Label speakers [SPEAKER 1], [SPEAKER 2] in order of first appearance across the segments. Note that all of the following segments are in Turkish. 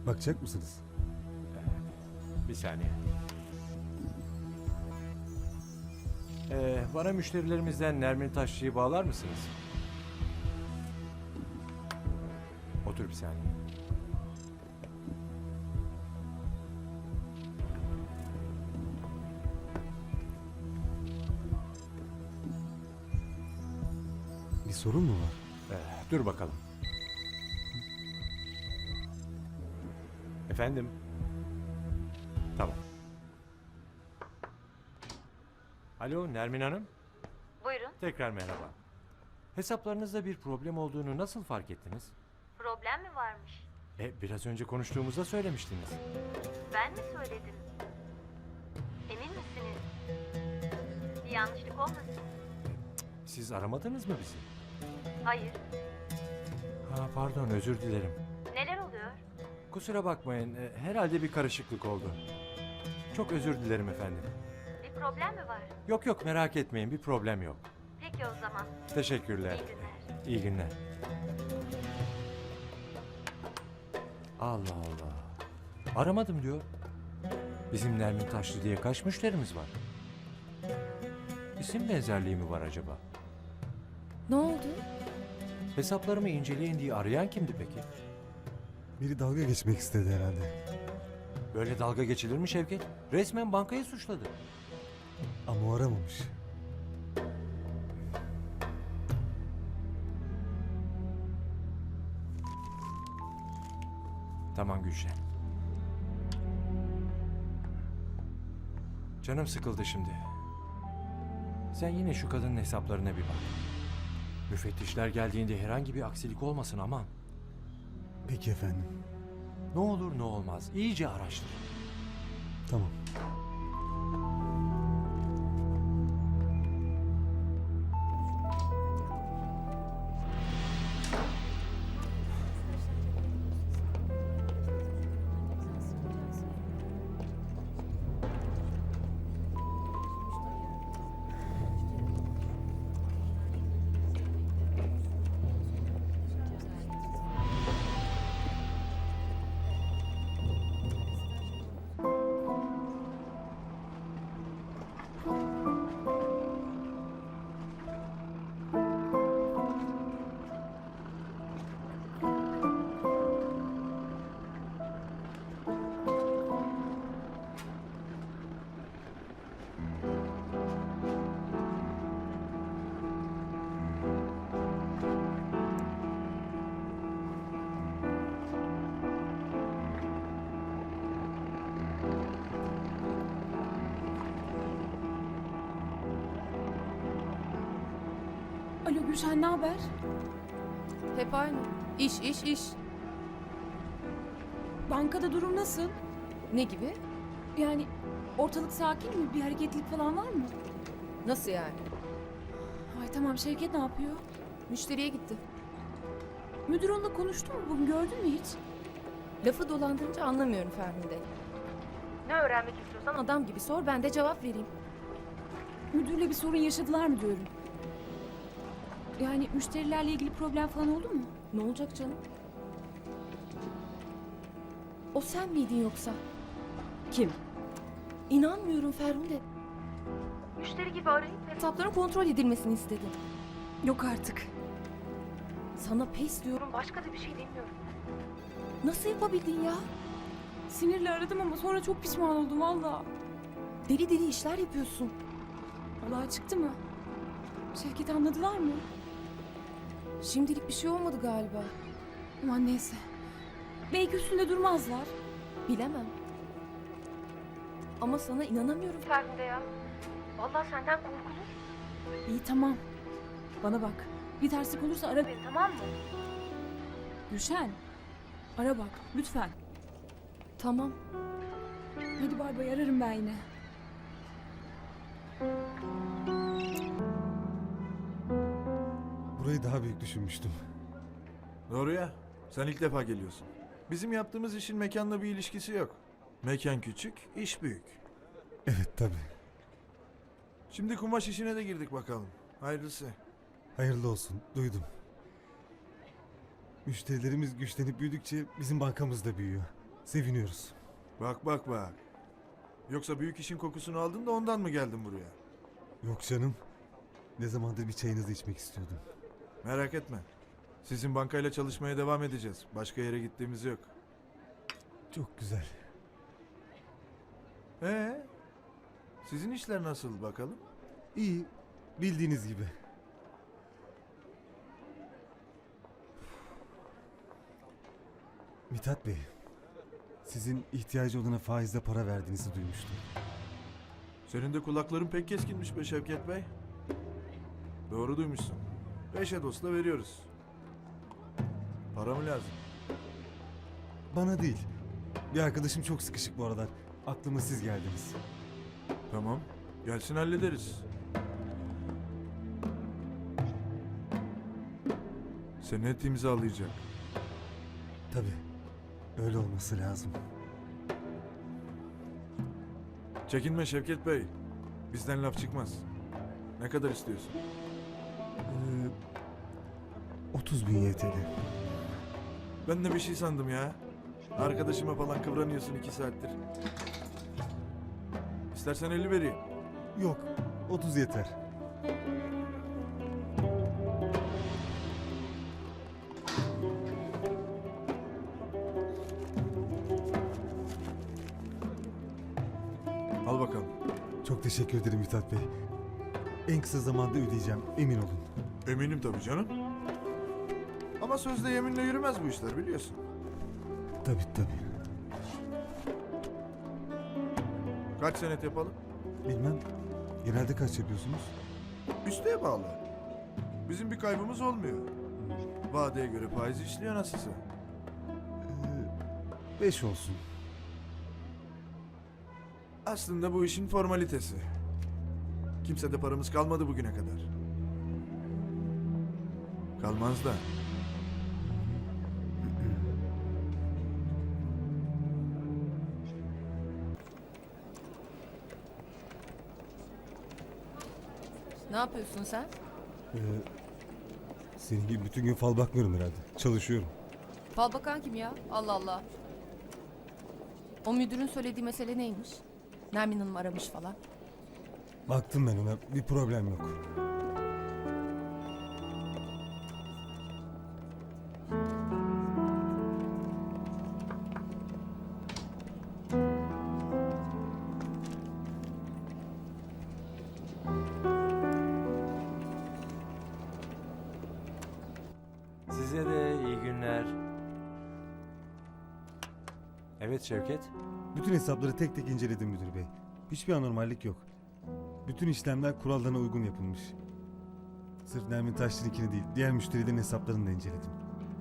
[SPEAKER 1] Bakacak mısınız?
[SPEAKER 2] Bir saniye. Bana müşterilerimizden Nermin Taşçı'yı bağlar mısınız? Otur bir saniye.
[SPEAKER 1] Bir sorun mu var?
[SPEAKER 2] Dur bakalım. Efendim? Tamam. Alo Nermin Hanım.
[SPEAKER 3] Buyurun.
[SPEAKER 2] Tekrar merhaba. Hesaplarınızda bir problem olduğunu nasıl fark ettiniz?
[SPEAKER 3] Problem mi varmış?
[SPEAKER 2] Biraz önce konuştuğumuzda söylemiştiniz.
[SPEAKER 3] Ben mi söyledim? Emin misiniz? Bir yanlışlık olmasın?
[SPEAKER 2] Siz aramadınız mı bizi?
[SPEAKER 3] Hayır.
[SPEAKER 2] Pardon, özür dilerim.
[SPEAKER 3] Neler oluyor?
[SPEAKER 2] Kusura bakmayın, herhalde bir karışıklık oldu. Çok özür dilerim efendim.
[SPEAKER 3] Bir problem mi var?
[SPEAKER 2] Yok yok, merak etmeyin, bir problem yok.
[SPEAKER 3] Peki o zaman.
[SPEAKER 2] Teşekkürler.
[SPEAKER 3] İyi günler.
[SPEAKER 2] İyi günler. Allah Allah. Aramadım diyor. Bizim Nermin Taşlı diye kaç müşterimiz var? İsim benzerliği mi var acaba?
[SPEAKER 4] Ne oldu?
[SPEAKER 2] Hesaplarımı inceleyin diye arayan kimdi peki?
[SPEAKER 1] Biri dalga geçmek istedi herhalde.
[SPEAKER 2] Böyle dalga geçilir mi Şevket? Resmen bankayı suçladı.
[SPEAKER 1] Ama o aramamış.
[SPEAKER 2] Tamam Gülşen. Canım sıkıldı şimdi. Sen yine şu kadının hesaplarına bir bak. Müfettişler geldiğinde herhangi bir aksilik olmasın aman.
[SPEAKER 1] Peki efendim.
[SPEAKER 2] Ne olur ne olmaz iyice araştır.
[SPEAKER 1] Tamam.
[SPEAKER 4] Alo Gülşen, ne haber?
[SPEAKER 5] Hep aynı. İş, iş, iş.
[SPEAKER 4] Bankada durum nasıl?
[SPEAKER 5] Ne gibi?
[SPEAKER 4] Yani ortalık sakin mi? Bir hareketlilik falan var mı?
[SPEAKER 5] Nasıl yani?
[SPEAKER 4] Ay tamam, Şevket ne yapıyor?
[SPEAKER 5] Müşteriye gitti.
[SPEAKER 4] Müdür onunla konuştu mu bugün, gördün mü hiç?
[SPEAKER 5] Lafı dolandırınca anlamıyorum Ferhunde. Ne öğrenmek istiyorsan adam gibi sor, ben de cevap vereyim.
[SPEAKER 4] Müdürle bir sorun yaşadılar mı diyorum. Yani müşterilerle ilgili problem falan oldu mu?
[SPEAKER 5] Ne olacak canım? O sen miydin yoksa?
[SPEAKER 4] Kim?
[SPEAKER 5] İnanmıyorum Ferhunde. Müşteri gibi arayıp hesapların kontrol edilmesini istedin.
[SPEAKER 4] Yok artık.
[SPEAKER 5] Sana pes diyorum, başka da bir şey demiyorum. Nasıl yapabildin ya?
[SPEAKER 4] Sinirle aradım ama sonra çok pişman oldum valla.
[SPEAKER 5] Deli deli işler yapıyorsun.
[SPEAKER 4] Olay çıktı mı? Şevket anladılar mı?
[SPEAKER 5] Şimdilik bir şey olmadı galiba.
[SPEAKER 4] Aman neyse. Belki üstünde durmazlar.
[SPEAKER 5] Bilemem. Ama sana inanamıyorum Ferhunde ya. Vallahi senden korkulur.
[SPEAKER 4] İyi tamam. Bana bak. Bir terslik olursa ara beni, tamam mı? Gülşen. Ara bak lütfen.
[SPEAKER 5] Tamam.
[SPEAKER 4] Hadi bay bay, ararım ben yine.
[SPEAKER 1] Burayı daha büyük düşünmüştüm.
[SPEAKER 6] Doğru ya. Sen ilk defa geliyorsun. Bizim yaptığımız işin mekanla bir ilişkisi yok. Mekan küçük, iş büyük.
[SPEAKER 1] Evet tabii.
[SPEAKER 6] Şimdi kumaş işine de girdik bakalım. Hayırlısı.
[SPEAKER 1] Hayırlı olsun. Duydum. Müşterilerimiz güçlenip büyüdükçe bizim bankamız da büyüyor. Seviniyoruz.
[SPEAKER 6] Bak bak bak. Yoksa büyük işin kokusunu aldın da ondan mı geldin buraya?
[SPEAKER 1] Yok canım. Ne zamandır bir çayınızı içmek istiyordum.
[SPEAKER 6] Merak etme. Sizin bankayla çalışmaya devam edeceğiz. Başka yere gittiğimiz yok.
[SPEAKER 1] Çok güzel.
[SPEAKER 6] Sizin işler nasıl bakalım?
[SPEAKER 1] İyi. Bildiğiniz gibi. Mithat Bey. Sizin ihtiyacı olana faizle para verdiğinizi duymuştum.
[SPEAKER 6] Senin de kulakların pek keskinmiş be Şevket Bey. Doğru duymuşsun. 5'e dostla veriyoruz. Para mı lazım?
[SPEAKER 1] Bana değil. Bir arkadaşım çok sıkışık bu aralar. Aklıma siz geldiniz.
[SPEAKER 6] Tamam. Gelsin hallederiz. Senet imzalayacak.
[SPEAKER 1] Tabii. Öyle olması lazım.
[SPEAKER 6] Çekinme Şevket Bey. Bizden laf çıkmaz. Ne kadar istiyorsun?
[SPEAKER 1] 30 bin YTL.
[SPEAKER 6] Ben de bir şey sandım ya. Arkadaşıma falan kıvranıyorsun 2 saattir. İstersen 50 vereyim.
[SPEAKER 1] Yok. 30 yeter.
[SPEAKER 6] Al bakalım.
[SPEAKER 1] Çok teşekkür ederim Mithat Bey. En kısa zamanda ödeyeceğim. Emin olun.
[SPEAKER 6] Eminim tabii canım. Ama sözde yeminle yürümez bu işler biliyorsun.
[SPEAKER 1] Tabii.
[SPEAKER 6] Kaç senet yapalım?
[SPEAKER 1] Bilmem. Genelde kaç yapıyorsunuz?
[SPEAKER 6] Üsteye bağlı. Bizim bir kaybımız olmuyor. Vadeye göre faiz işliyor nasılsa.
[SPEAKER 1] 5 olsun.
[SPEAKER 6] Aslında bu işin formalitesi. Kimsede paramız kalmadı bugüne kadar. Kalmaz da.
[SPEAKER 5] Ne yapıyorsun sen?
[SPEAKER 1] Senin gibi bütün gün fal bakmıyorum herhalde. Çalışıyorum.
[SPEAKER 5] Fal bakan kim ya? Allah Allah. O müdürün söylediği mesele neymiş? Nermin Hanım aramış falan.
[SPEAKER 1] Baktım ben ona. Bir problem yok.
[SPEAKER 2] Size de iyi günler. Evet Şevket.
[SPEAKER 1] Bütün hesapları tek tek inceledim müdür bey. Hiçbir anormallik yok. Bütün işlemler kurallarına uygun yapılmış. Sırf Nermin Taşçı'nınkini değil, diğer müşterilerin hesaplarını da inceledim.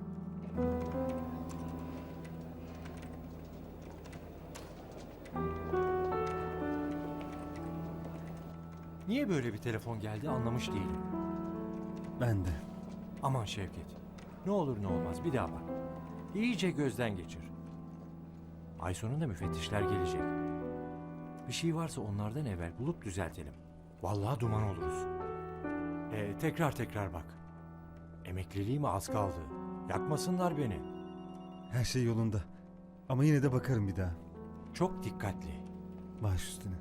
[SPEAKER 2] Niye böyle bir telefon geldi anlamış değilim.
[SPEAKER 1] Ben de.
[SPEAKER 2] Aman Şevket. Ne olur ne olmaz bir daha bak. İyice gözden geçir. Ay sonunda müfettişler gelecek. Bir şey varsa onlardan evvel bulup düzeltelim. Vallahi duman oluruz. Tekrar bak. Emekliliğime az kaldı. Yakmasınlar beni.
[SPEAKER 1] Her şey yolunda. Ama yine de bakarım bir daha.
[SPEAKER 2] Çok dikkatli.
[SPEAKER 1] Baş üstüne.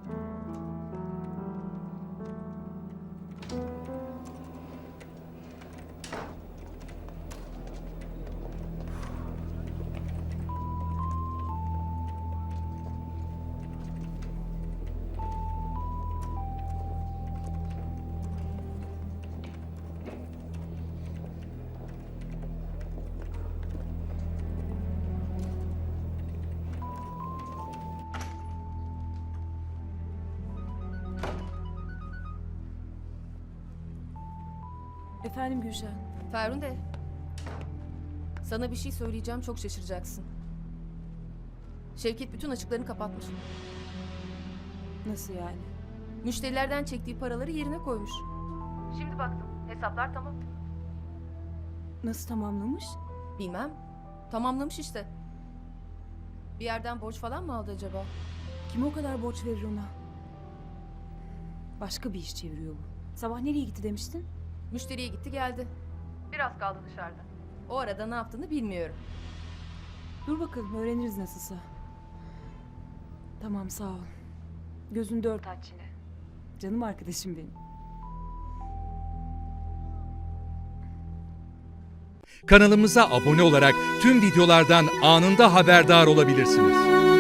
[SPEAKER 4] Efendim Gülşen.
[SPEAKER 5] Ferhunde. Sana bir şey söyleyeceğim, çok şaşıracaksın. Şevket bütün açıklarını kapatmış.
[SPEAKER 4] Nasıl yani?
[SPEAKER 5] Müşterilerden çektiği paraları yerine koymuş. Şimdi baktım. Hesaplar tamam.
[SPEAKER 4] Nasıl tamamlamış?
[SPEAKER 5] Bilmem. Tamamlamış işte. Bir yerden borç falan mı aldı acaba?
[SPEAKER 4] Kim o kadar borç verir ona? Başka bir iş çeviriyor bu. Sabah nereye gitti demiştin?
[SPEAKER 5] Müşteriye gitti geldi. Biraz kaldı dışarıda. O arada ne yaptığını bilmiyorum.
[SPEAKER 4] Dur bakalım öğreniriz nasılsa. Tamam sağ ol. Gözün dört aç yine. Canım arkadaşım benim.
[SPEAKER 7] Kanalımıza abone olarak tüm videolardan anında haberdar olabilirsiniz.